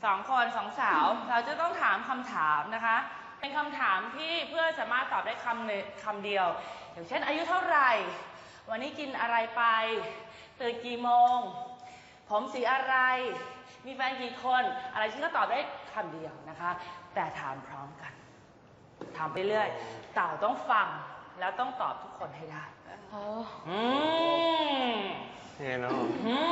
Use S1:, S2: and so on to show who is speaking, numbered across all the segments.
S1: 2 คน2 สาวเราจะต้องถามคำถามนะคะเป็นคำถามที่เพื่อนสามารถตอบได้คำเดียวอย่างเช่นอายุเท่าไหร่วันนี้กินอะไรไปตื่นกี่โมงผมสีอะไรมีแฟนกี่คนอะไรที่ก็ตอบได้คำเดียวนะคะแต่ถามพร้อมกันถามไปเรื่อยเต่าต้องฟังแล้วต้องตอบทุกคนให้ได้
S2: เนาะ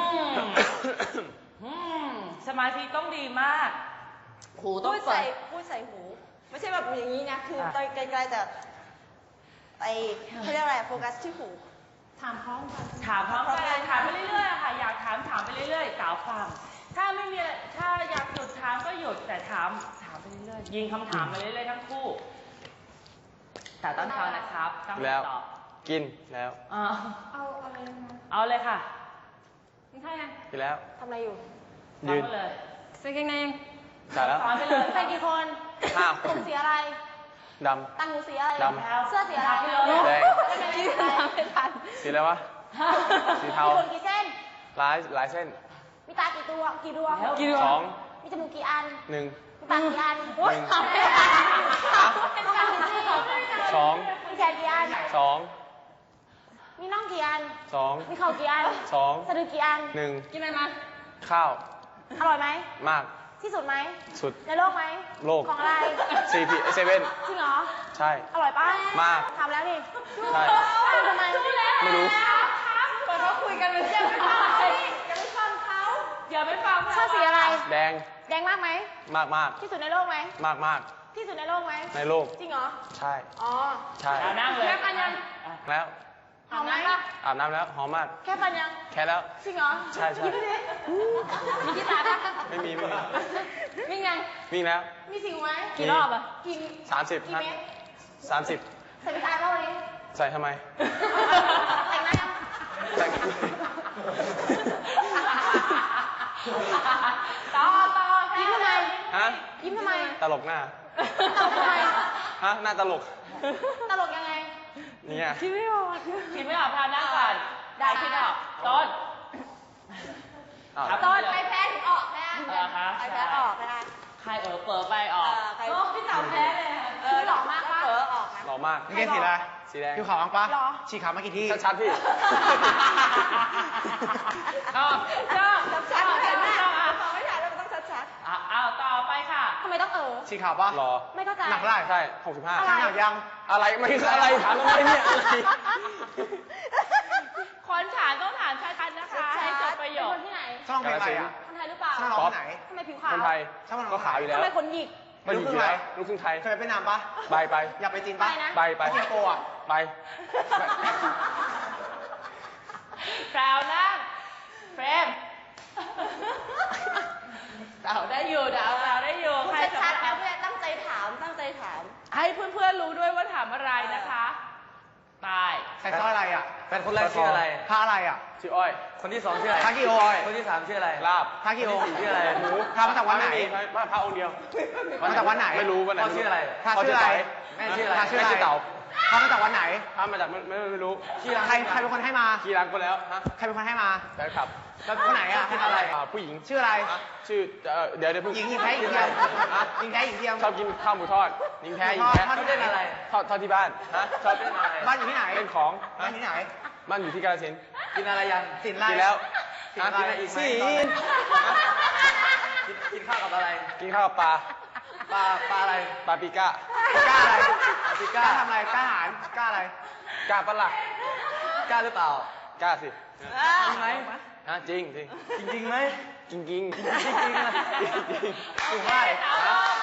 S1: สมาธิต้องดีมากหูต้องเปิด
S3: พูดใส่หูไม่ใช่แบบอย่างนี้นะคือไกลๆแต่ไปเขาเรียกอะไรโฟกัสที่หู
S1: ถามพร้อมกันถามไปเรื่อยๆค่ะอยากถามไปเรื่อยๆสาวฟังถ้าไม่มีถ้าอยากหยุดถามก็หยุดแต่ถามไปเรื่อยๆยิงคำถามไปเรื่อยๆทั้งคู่แต่ต้องฟังนะครับต้องตอบ
S2: กินแล้ว
S3: เอาอะไรนะ
S1: เอาเลยค่ะ
S3: มึงท่ายัง
S2: กินแล้ว
S3: ทำอะไรอยู่
S2: ยืน
S1: เลย
S3: ใส่กางเกง
S2: ใส่แล้ว
S1: ไปเลย
S3: ใส่กี่คนผมสีอะไร
S2: ดำ
S3: ตั้งหูสีอะไร
S2: ดำ
S3: เสื้อสีอะไร
S2: แดง
S3: ไม่ทัน
S2: สีอะไรวะสีเทา
S3: มีขนกี่เส้น
S2: หลายเส้น
S3: มีตากี่ตัวกี่ดวง
S2: 2
S3: มีจมูกกี่อัน
S2: 1
S3: มีปากกี่อัน
S2: 1
S3: ต้องการกี่ซี่
S2: 2
S3: มีแขนกี่อัน2มีน่องกี่อัน
S2: 2
S3: มีเข่ากี่อัน
S2: 2
S3: สะดือกี่อัน
S2: 1
S3: กินอะไรมา
S2: ข้าว
S3: อร่อยไหม
S2: มาก
S3: ที่สุดไหม
S2: สุด
S3: ในโลกไหม
S2: โลก
S3: ของอะไร
S2: CP 7
S3: จริงเหรอ
S2: ใช่
S3: อร่อยป่ะ
S2: มาก
S3: ทำแล้วนี่
S2: ใช่
S3: ทำไม
S2: ไม่รู้
S3: ก่อนเขาคุยกันเป็นเรื่องไม่ฟังเขา
S1: อย่าไปฟัง
S3: ชอบสีอะไร
S2: แดง
S3: มากไหม
S2: มาก
S3: ที่สุดในโลกไหม
S2: มาก
S3: ที่สุดในโลกไหม
S2: ในโลก
S3: จริงเหรอ
S2: ใช่ใช่
S1: นั่งเลย
S3: แค่ฟันยัง
S2: แล้ว
S3: หอมไหม
S2: อาบน้ำแล้วหอมมาก
S3: แค่ฟันยัง
S2: แค่แล้ว
S3: จริงเหรอ
S2: ใช่
S3: มีกีตาร์ปะ
S2: ไม่มี
S3: วิ่งยัง
S2: วิ่งแล้ว
S3: มีสิวไหมกี่รอบอ่ะกี่
S2: 30
S3: เมตร
S2: 30
S3: ใส่กีตาร์เปล่าวันนี้
S2: ใส่ทำไม
S3: แต่งหน้ายัง
S2: แต่ง
S3: ต่อยิ้มทำไมยิ้มทำไม
S2: ตลกหน้า
S3: ทำไม
S2: หน้าตลก
S3: ยังไง
S2: เนี่ย
S1: คิดไม่ออกพานั่งก่อนได้คิดออกต้น
S3: ใครแพ้ถึงออกนะใครแพ้ออกไม่ได้
S1: ใครเปิดไปออก
S3: พี่เต๋าแพ้เลยหล่อมากป่ะออก
S2: หล่อมาก
S4: นี่แกสีอะไร
S2: สีแดง
S4: ผิวขาวมั้งปะฉีกขาวมากี่ที่
S2: ชัดพี่
S1: ชอบ
S3: เห็นไหมไม่ถ่ายแล้วมันต้องชัด
S1: เอาต่อไปค่ะ
S3: ทำไมต้อง
S4: ฉีกขาวปะ
S2: หล่อ
S3: ไม่เข้าใจ
S4: หนักได้
S2: ใช่65
S4: ช่างหนักยัง
S2: อะไรไม่คืออะไรถามทำไมเนี่ย
S1: คนถามต้องถามชัดๆนะคะให้จบประโยค
S3: คนที่ไหน
S4: ช่องเพลงอะไรอ่ะ
S3: คนไทยหรือเปล่า
S4: ช่องร้องไหน
S3: ทำไมผิวขาว
S2: คนไทยก็ขาวอยู่แล้ว
S3: ทำไมขนหยิก
S2: ไม่อยู่แล้วลูกครึ่งไทย
S4: เคยไปนามปะ
S2: ไป
S4: อยากไปจีนปะ
S2: ไป
S4: สิงคโปร์อ่ะ
S2: ไป
S1: แพรวนั่งเฟรมดาวได้อยู่
S3: ใครชัดแล้วเพื่อนตั้งใจถาม
S1: ให้เพื่อนๆรู้ด้วยว่าถามอะไรนะคะไป
S4: ใครชอบอะไรอ่ะ
S2: แฟนคนแรกชื่ออะไร
S4: พาอะไรอ่ะ
S2: ชื่ออ้อยคนที่2ชื่ออะไร
S4: พากิโอ
S2: คนที่3ชื่ออะไรลาบ
S4: พากิโอ
S2: ชื่ออะไรหมู
S4: พามาจากวันไหน
S2: พาองค์เดียว
S4: มาจากวันไหน
S2: ไม่รู้วันไหน
S4: ชื่ออะไร
S2: พาชื่ออะไรแม่ชื่ออะไรพาชื่อเต่า
S4: พามาจากวันไหน
S2: พามาจากไม่รู้
S4: ใครเป็นคนให้มา
S2: กี่รังคนแล้วฮะ
S4: ใครเป็นคนให้มา
S2: แฟนคลับ
S4: แล้วคนไหนอ่ะ
S2: อะไรผู้หญิง
S4: ชื่ออะไร
S2: ชื่อเดี๋ยว
S4: หญิงแท้หญิงเทียม
S2: ชอบกินข้าวหมูทอดหญิงแท้
S4: ทอดเล่นอะไร
S2: ทอดที่บ้านชอบเล่นอะไร
S4: บ้านอยู่ที่ไหน
S2: เล่นของ
S4: บ้านที่ไหน
S2: บ้านอยู่ที่กาฬสินธุ์
S4: กินอะไรยัง
S2: กินแล้ว
S4: กินอะไรอีกไหมกินข้าวกับอะไร
S2: กินข้าวกับปลา
S4: อะไร
S2: ปลาปีก้า
S4: อะไรปีก้าทำอะไรก้าหารก้าอะไร
S2: ก้าปะล่ะ
S4: ก้าหรือเปล่า
S2: ก้าสิ
S4: จริงไหม
S2: จริง
S4: ไหม
S2: จริงนะ
S4: ถูกไหม